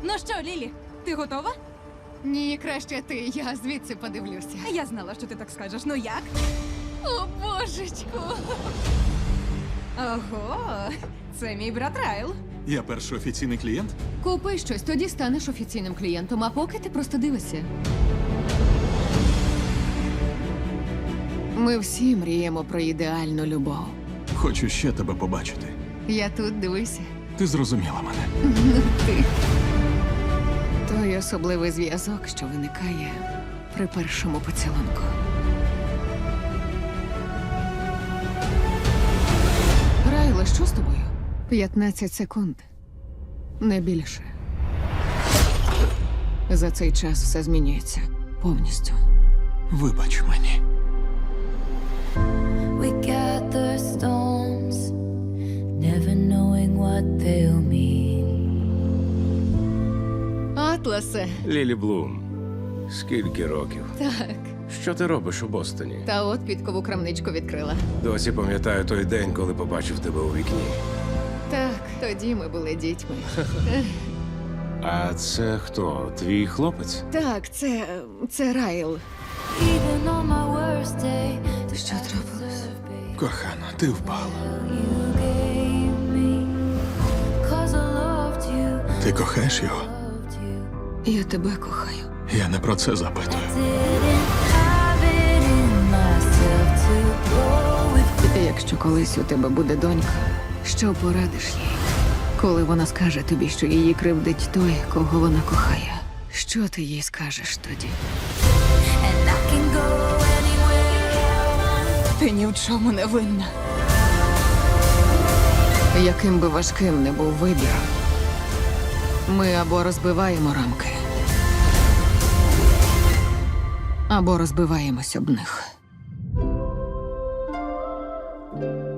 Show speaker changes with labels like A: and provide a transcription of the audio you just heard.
A: Ну що, Лілі, ти готова?
B: Ні, краще ти, я звідси подивлюся.
A: Я знала, що ти так скажеш. Ну як?
B: О, божечку!
A: Ого, це мій брат Райл.
C: Я перший офіційний клієнт?
B: Купи щось, тоді станеш офіційним клієнтом, а поки ти просто дивишся. Ми всі мріємо про ідеальну любов.
C: Хочу ще тебе побачити.
B: Я тут, дивися.
C: Ти зрозуміла мене.
B: Ну ти. Той особливий зв'язок, що виникає при першому поцілунку. Райло, що з тобою? 15 секунд. Не більше. За цей час все змінюється повністю.
C: Вибач мені.
D: We gather storms, never knowing what they'll mean.
B: Атласе.
E: Лілі Блум, скільки років?
B: Так.
E: Що ти робиш у Бостоні?
B: Та от підкову крамничку відкрила.
E: Досі пам'ятаю той день, коли побачив тебе у вікні.
B: Так, тоді ми були дітьми.
E: А це хто? Твій хлопець?
B: Так, це Райл.
D: Even on my worst day, the
B: Що трапилось?
C: Кохана, ти впала.
D: you gave me. 'Cause I loved you,
C: Ти кохаєш його?
D: loved you.
B: Я тебе кохаю.
C: Я не про це запитую.
D: Didn't have it in myself to go with.
B: Якщо колись у тебе буде донька, що порадиш їй? Коли вона скаже тобі, що її кривдить той, кого вона кохає, що ти їй скажеш тоді?
D: And I can go anywhere.
A: Ти ні в чому не винна.
B: Яким би важким не був вибір, ми або розбиваємо рамки, або розбиваємось об них.